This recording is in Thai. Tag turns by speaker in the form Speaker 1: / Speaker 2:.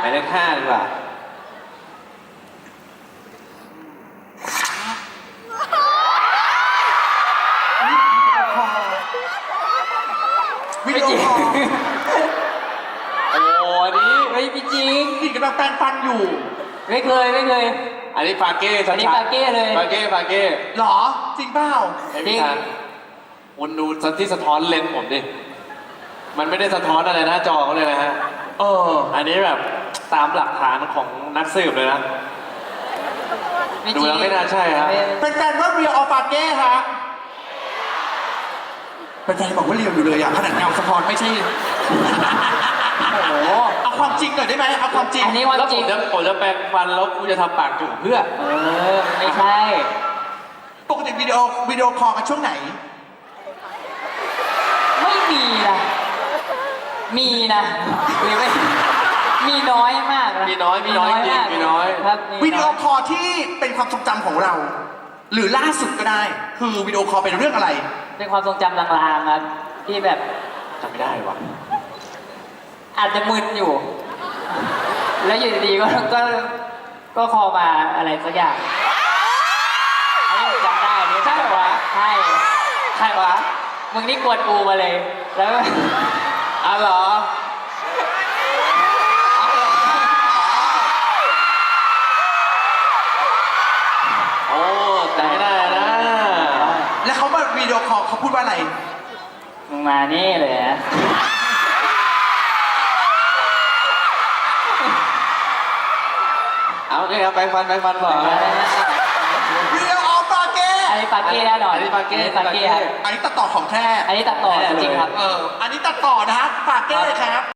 Speaker 1: ายเลข5ดีกว่า
Speaker 2: วิดีโอคอล
Speaker 1: โอ้อันนี้
Speaker 3: ไม่พี่จริง
Speaker 2: กินกำลังแปรงฟันอยู่
Speaker 3: ไม่เคย
Speaker 1: อันนี้ปาเก้ชัดๆ
Speaker 3: อันนี้ปาเก้เลย
Speaker 1: ปาเก้
Speaker 2: หรอจริงเปล่า
Speaker 1: ไอ้พี่ทานคุณดูที่สะท้อนเลนส์ผมดิ มันไม่ได้สะท้อนอะไรหน้าจอเขาเลยนะฮะ อันนี้แบบตามหลักฐานของนักสืบเลยนะ
Speaker 3: ไม่จ
Speaker 1: ดู
Speaker 3: ริง
Speaker 1: แล้วไม่น่าใช่ครับ
Speaker 2: เป็นแฟนว่าเรียวออฟาเก้ฮะเป็นแฟนบอกว่าเรียวอยู่เลยอ่ะขนาดเงาสะท้อนไม่ใช่
Speaker 3: โอ้โห
Speaker 2: เอาความจริงหน่อยได้ไหมเอาความจริง
Speaker 3: อันนี้วัน
Speaker 1: แล้ว
Speaker 3: จริง
Speaker 1: ผมจะแปรงฟันแล้วกูจะทำปากจุ๋มเพื่อ
Speaker 3: ไม่ใช่
Speaker 2: ปกติวิดีโอคอลกันช่วงไหน
Speaker 3: ไม่มีนะมีนะหรือไม่มีน้อยมากนะ
Speaker 1: มีน้อยจริง
Speaker 3: มาก
Speaker 1: มีน้อย
Speaker 3: ครับมีน้ย
Speaker 2: วิดีโอคอลที่เป็นความทรงจำของเรา หรือล่าสุดก็ได้ คือวิดีโอคอลเป็นเรื่องอะไร
Speaker 3: เป็นความทรงจำลางๆครับที่แบบ
Speaker 1: จำไม่ได้ว่ะ
Speaker 3: อาจจะมึนอยู่ แล้วอยู่ดีๆก็คอมาอะไรสักอย่างอันนี้ผมจำได้อันนี้
Speaker 1: ใช่เหรอวะ
Speaker 3: ใช่
Speaker 1: ใครวะ
Speaker 3: มึงนี่กวนกูมาเลย แล้ว
Speaker 1: อ๋อเหรอโอ้แต่ไม่ได้นะ
Speaker 2: แล้วเขามาวิดีโอคอลเขาพูดว่าอะไร
Speaker 3: มึงมานี่เลยนะ
Speaker 1: เอาโอเคครับแปรงฟันก่อน
Speaker 2: วิดีโอออฟาเก้
Speaker 3: อันนี้ปาเก้แน่นอน
Speaker 1: อันนี้ปาเก้
Speaker 3: ปาเก้ครับ
Speaker 2: อันนี้ตัดต่อของแท้
Speaker 3: อันนี้ตัดต่อจริงๆครับ
Speaker 2: อันนี้ตัดต่อนะฮะฟาเก้ครับ